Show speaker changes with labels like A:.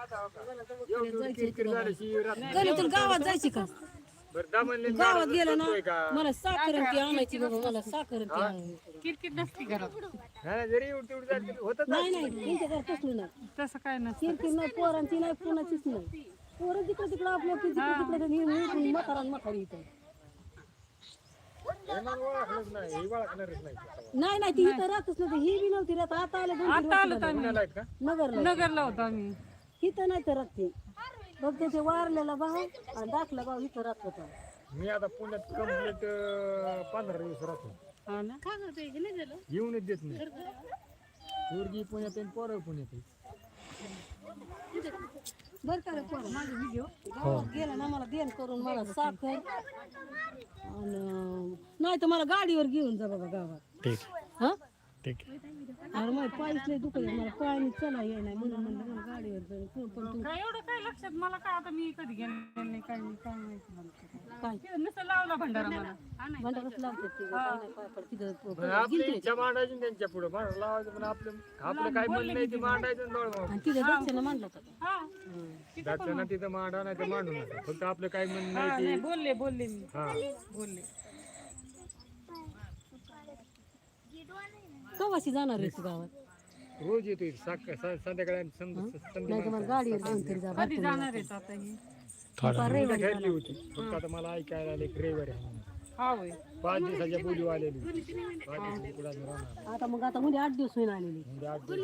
A: गणितून गावात जायची का गावात गेलं ना मला साखर आणि ती आणायची बाबा मला साखर आणि ती आणायची
B: किरकिर नसती घरात
A: नाही नाही त्यांच्या घरात तसलं नाही
B: तसं काय नसतं
A: किरकिर नाही पोरांची नाही कोणाचीच नाही पोरं जिकडे तिकडं आपल्या तिकडे म्हातारा म्हातारी इथं नाही नाही ती इथं राहतच नव्हती ही बी नव्हती राहत आता आले
B: आता आलो तर आम्ही
A: नगरला
B: नगरला होतो आम्ही
A: इथं नाही तर राहते बघ त्याचे वारलेला भाऊ आणि दाखला भाऊ इथं राहत होता
C: मी आता पुण्यात कंप्लीट 15 दिवस राहतो
B: हा ना
C: येऊनच देत नाही पोरगी पुण्यात आहे पोरं पुण्यात आहे.
A: बरं का रे पोरं माझे व्हिडिओ गावात गेला ना मला देण करून मला साखर आणि नाही तर मला गाडीवर घेऊन जा बाबा गावात
C: ठीक
A: हा
C: ठीक
A: अरे मग पायच लय दुखत मला पायाने चला ये नाही म्हणून म्हणलं मला गाडीवर जाऊन पण तू
B: काय एवढं काय लक्षात मला काय आता मी कधी गेले नाही काय नाही काय माहिती मला
A: काय
B: ते नुसतं लावला भंडारा मला
A: भांडारच लावतात ते काय नाही पाय पड तिथं
C: आपली इच्छा मांडायची त्यांच्या पुढे मांडायला लावायचं पण आपलं काय म्हणणं नाही ते मांडायचं
A: आणि तिथं दक्षिणा मांडलं होतं
B: हा
C: दाक्षांना तिथं मांडा नाही तर मांडू नका फक्त आपलं काय म्हणणं
B: हा,
C: नाही
B: नाही बोलले मी
C: हा
B: बोलले
A: कवाशी जाणार आहे तू गावात
C: रोज येतो संध्याकाळी आणि संध्याकाळी
A: नाही तर मला गाडीवर जाऊन तरी जा
B: कधी जाणार आहेत आता ही
C: ठरली होती फक्त आता मला ऐकायला आले रविवारी आहे म्हणून.
B: हा होय
C: 5 दिवसाच्या बोली आलेली 5 दिवसाची पुढे राहणार
A: आता मग आता म्हणजे 8 दिवस होईन आलेली
C: म्हणजे 8 दिवस